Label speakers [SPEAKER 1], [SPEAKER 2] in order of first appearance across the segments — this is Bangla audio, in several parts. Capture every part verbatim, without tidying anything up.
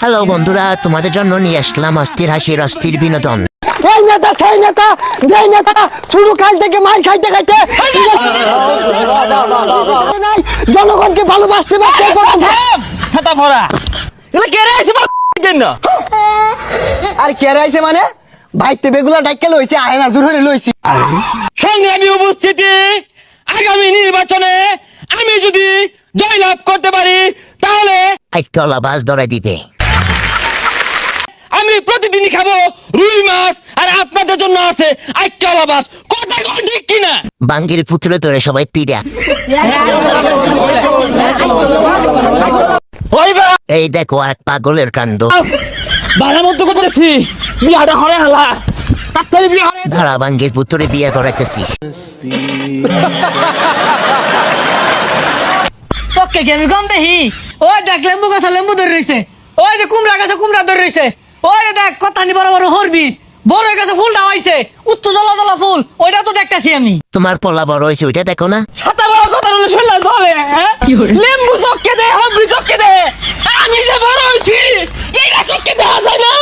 [SPEAKER 1] হ্যালো বন্ধুরা, তোমাদের জন্য নিয়ে আসলাম অস্থির হাসির অস্থির বিনোদন।
[SPEAKER 2] এই নেতা সেই নেতা যেই নেতা শুরু কাল থেকে মার খাইতে খাইতে নাই, জনগণকে ভালোবাসতে পারছে
[SPEAKER 3] ছাতা ভরা এলা কে রে আইছে কেন
[SPEAKER 2] আর কেরে আইছে মানে ভাইতে বেগুলা ডাইকে লইছে আয় না জোরে লইছি।
[SPEAKER 3] সংগ্রামী উপস্থিতি, আগামী নির্বাচনে আমি যদি জয়লাভ করতে পারি তাহলে
[SPEAKER 1] আইকলা বাস ধরে দিবে।
[SPEAKER 3] আমি প্রতিদিনই খাবো রুই মাছ, আর আপনাদের জন্য আছে আইক্কালা মাছ। কথা কোন ঠিক কিনা?
[SPEAKER 1] বাঙ্গির পুত্র ধরে সবাই পিড়া।
[SPEAKER 3] ওই বা
[SPEAKER 1] এই দেখো এক পাগলের কাণ্ড।
[SPEAKER 3] বাড়ার মতো করতেছি, বিয়াটা হরে হালা তাড়াতাড়ি বিয়া হরে।
[SPEAKER 1] ধারা বাঙ্গির পুত্রে বিয়ে করাইতেছিস।
[SPEAKER 4] চক্কে কি আমি কম দেখি? ওই দেখ লেম্বু গাছে লেম্বু ধরে রয়েছে, ওই যে কুমড়া গাছে কুমড়া ধরে রয়েছে, ওই যে দেখ কতানি বড় বড় হরবি, বড় গাছে ফুলটা হয়েছে উত্তর জ্বলা জ্বলা ফুল, ওইটা তো দেখতেছি আমি।
[SPEAKER 1] তোমার পলা বড় হয়েছে ওইটা দেখো না?
[SPEAKER 3] ছাতা বড় কথা বলে শুনলে চলে? লেম্বু চক্কে দে, হবরি চক্কে দে, আমি যে বড় হইছি এইটা চক্কে দেওয়া যায় না।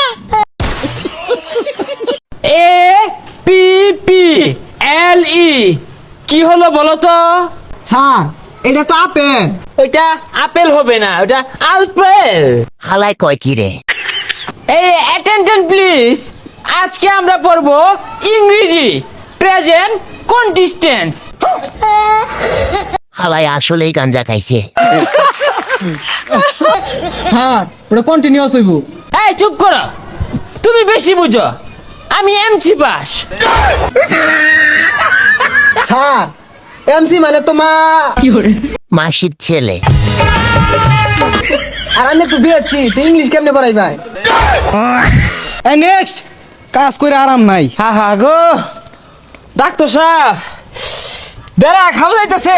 [SPEAKER 3] এ পি পি এল ই কি হলো বলো তো?
[SPEAKER 2] স্যার এটা তো আপেল।
[SPEAKER 3] ওইটা আপেল হবে না, ওটা আলপেল।
[SPEAKER 1] হালাই কয় কি রে?
[SPEAKER 3] এই অ্যাটেনশন প্লিজ, আজকে আমরা পড়বো ইংরেজি প্রেজেন্ট কন্টিস্টেন্স।
[SPEAKER 1] হালাই আসলেই গাঞ্জা খাইছে।
[SPEAKER 2] স্যার ওটা কন্টিনিউয়াস হইব।
[SPEAKER 3] এই চুপ করো, তুমি বেশি বুঝো, আমি এমসি পাস।
[SPEAKER 2] স্যার এমসি মানে তোমার
[SPEAKER 1] মাসির ছেলে।
[SPEAKER 2] আর আমি তো বিয়েছি তো ইংলিশ কেমনে পড়াই ভাই?
[SPEAKER 3] এই নেক্সট
[SPEAKER 2] কাজ করে আরাম নাই।
[SPEAKER 3] হা হা গো ডাক্তার সাহেব, বেড়া খাওয়া যাইতেছে।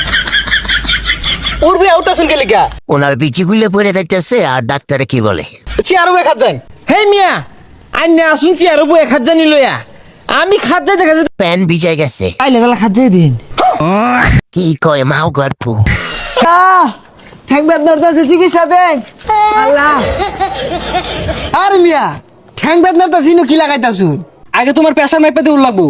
[SPEAKER 3] উড়বে ওটা শুনকে লিখা
[SPEAKER 1] ওনার বিচিগুলো পরে যাইতেছে আর ডাক্তারে কি বলে?
[SPEAKER 3] চেয়ার বয়ে খাত যান। হে মিয়া আইনে আসুন চেয়ার বয়ে খাত জানি লইয়া, আমি খাত যাই দেখা যায়
[SPEAKER 1] প্যান ভিজে গেছে।
[SPEAKER 3] আইলে তাহলে খাত যাই দিন।
[SPEAKER 1] কি কয় মাও গল্প?
[SPEAKER 2] ঠ্যাং বেদনার দাসে চিকিৎসা দেন আল্লাহ। আর মিয়া ঠ্যাং বেদনার দাসে ইনো কি লাগাইতাছুন?
[SPEAKER 3] আগে তোমার পেশার মাইপে দিয়ে লাগবো।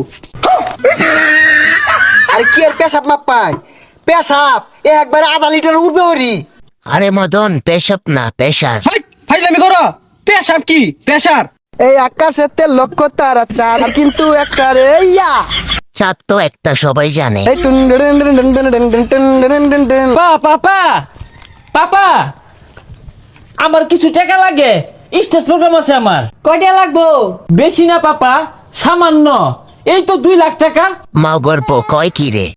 [SPEAKER 2] আর কি আর পেশাব মাপ পাই? পেশাব এ একবারে আধা লিটার উঠবে হরি।
[SPEAKER 1] আরে মদন, পেশাব না পেশার।
[SPEAKER 3] ফাইজলামি করো, পেশাব কি পেশার?
[SPEAKER 2] এই আকাশের তেল লক্ষ্য তারা চার কিন্তু একটা রে ইয়া
[SPEAKER 1] চাঁদ তো একটা সবাই জানে।
[SPEAKER 2] এই টুন ডুন ডুন ডুন ডুন ডুন ডুন ডুন ডুন ডুন ডুন।
[SPEAKER 3] পা পাপা পাপা, আমার কিছু টাকা লাগে, স্টেজ প্রোগ্রাম আছে আমার।
[SPEAKER 4] কয়টা লাগবো?
[SPEAKER 3] বেশি না পাপা, সামান্য, এই তো দুই লাখ টাকা।
[SPEAKER 1] মাও গল্প কয় কি রে?